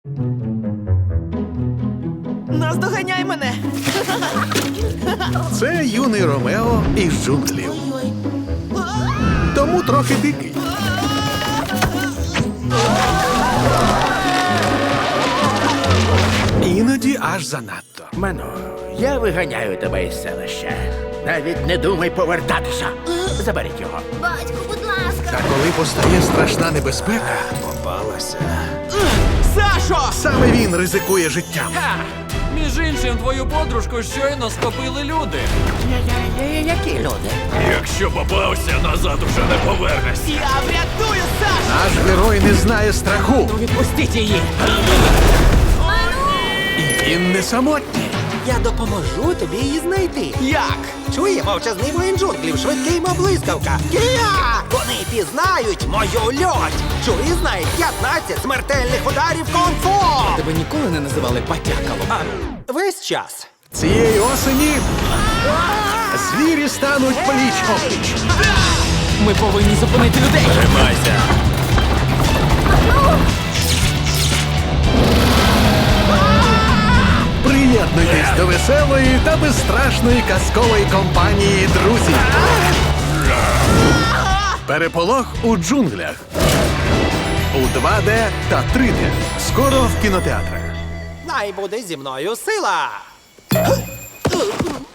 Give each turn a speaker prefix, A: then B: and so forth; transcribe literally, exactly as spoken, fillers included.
A: Наздоганяй мене!
B: Це юний Ромео із джунглів. Тому трохи дикий. Іноді аж занадто.
C: Ману, я виганяю тебе із селища. Навіть не думай повертатися. Заберіть його.
D: Батьку, будь ласка.
B: Та коли постає страшна небезпека, попалася.
A: Сашо!
B: Саме він ризикує життям.
E: Між іншим, твою подружку щойно схопили люди.
C: Які люди?
E: Якщо попався, назад уже не повернешся.
A: Я врятую Сашу!
B: Наш герой не знає страху.
E: Відпустіть її!
B: І він не самотній.
F: Я допоможу тобі її знайти.
A: Як?
F: Чує мовчазний воїн джунглів, швидкий мов блискавка. Кія! Вони пізнають мою льоть. Чує знають п'ятнадцять смертельних ударів кунг-фу.
E: Тебе ніколи не називали батякалом.
F: Весь час.
B: Цієї осені звірі стануть пліч-опліч.
E: Ми повинні зупинити людей. Тримайся!
B: Приєднуйтесь до веселої та безстрашної казкової компанії друзів. Переполох у джунглях. У два Д та три Д. Скоро в кінотеатрах.
F: Най буде зі мною сила.